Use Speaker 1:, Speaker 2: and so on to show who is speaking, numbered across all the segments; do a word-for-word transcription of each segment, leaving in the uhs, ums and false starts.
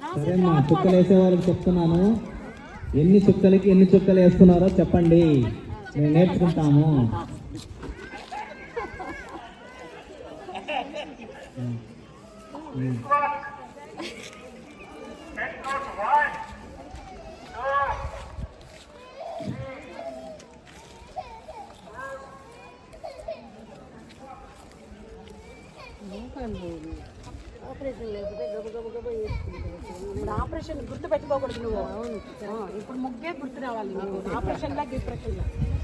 Speaker 1: సరేమ్మా, చుక్కలు వేసే వాళ్ళకి చెప్తున్నాను, ఎన్ని చుక్కలకి ఎన్ని చుక్కలు వేస్తున్నారో చెప్పండి, మేము నేర్చుకుంటాము.
Speaker 2: ఆపరేషన్ లేకపోతే గబ గబ గబ ఇప్పుడు ఆపరేషన్ గుర్తు పెట్టుకోకూడదు నువ్వు. అవును, ఇప్పుడు ముగ్గే గుర్తు రావాలి నువ్వు. ఆపరేషన్ లా డిప్రెషన్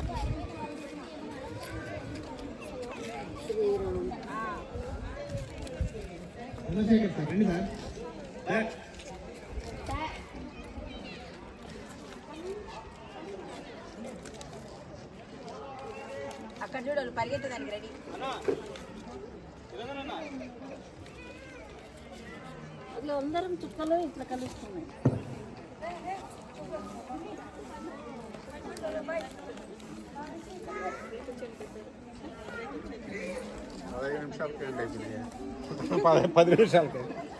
Speaker 2: అక్కడ చూడాలి పరిగెత్తడానికి రెడీ. ఇట్లా అందరం చుక్కలు ఇట్లా కలుస్తున్నాయి.
Speaker 3: పదహైదు నిమిషాలకి ఎండ్ అయిపోయింది. పది నిమిషాలకి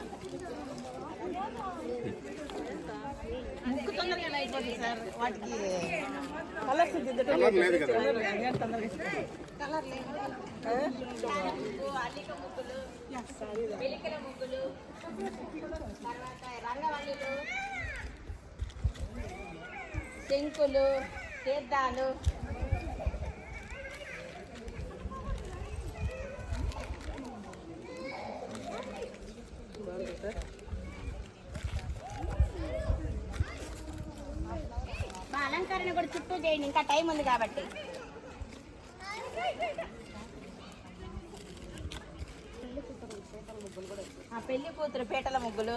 Speaker 2: ముక్కు తొందరగా అయిపోతుంది సార్. వాటికి కలర్స్ దిద్దటం
Speaker 3: కలర్ లేదు కదా.
Speaker 2: కలర్ లేదు. అల్లిక ముగ్గులు, వెలికల ముగ్గులు, తర్వాత రంగవల్లులు, శంకులు, తీర్థాలు, అలంకరణ కూడా చుట్టూ చేయండి, ఇంకా టైం ఉంది కాబట్టి. పెళ్లి కూతురు పీటల ముగ్గులు,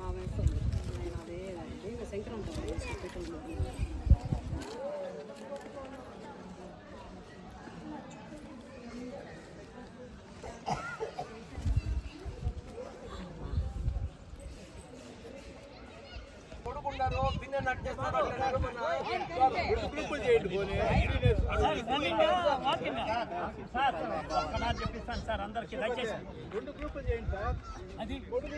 Speaker 4: చెప్పిస్తాను సార్ అందరికి. దయచేసి రెండు గ్రూపులు చేయండి సార్. అది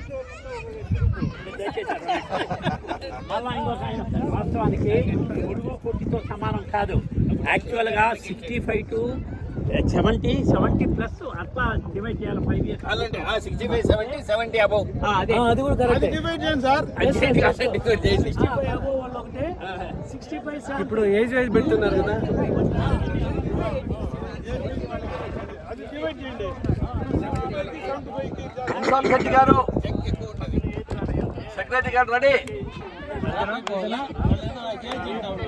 Speaker 4: మళ్ళా ఇంకొక ఆయన వాస్తవానికి పొడుగు పొట్టితో సమానం కాదు. యాక్చువల్గా sixty five to seventy seventy plus అట్లా డివైడ్ చేయాలి. Five years
Speaker 5: sixty five seventy seventy above.
Speaker 4: అదే అది కూడా కరెక్ట్.
Speaker 3: డివైడ్ చేయండి సార్.
Speaker 4: సిక్స్టీ ఫైవ్ అబౌవ్ వాళ్ళు ఒకటే, సిక్స్టీ ఫైవ్
Speaker 5: ఇప్పుడు ఏజ్ వైజ్ పెడుతున్నారు కదా.
Speaker 3: అది డివైడ్ చేయండి.
Speaker 5: శెట్టి గారు, సెక్రటరీ గారు రెడీ.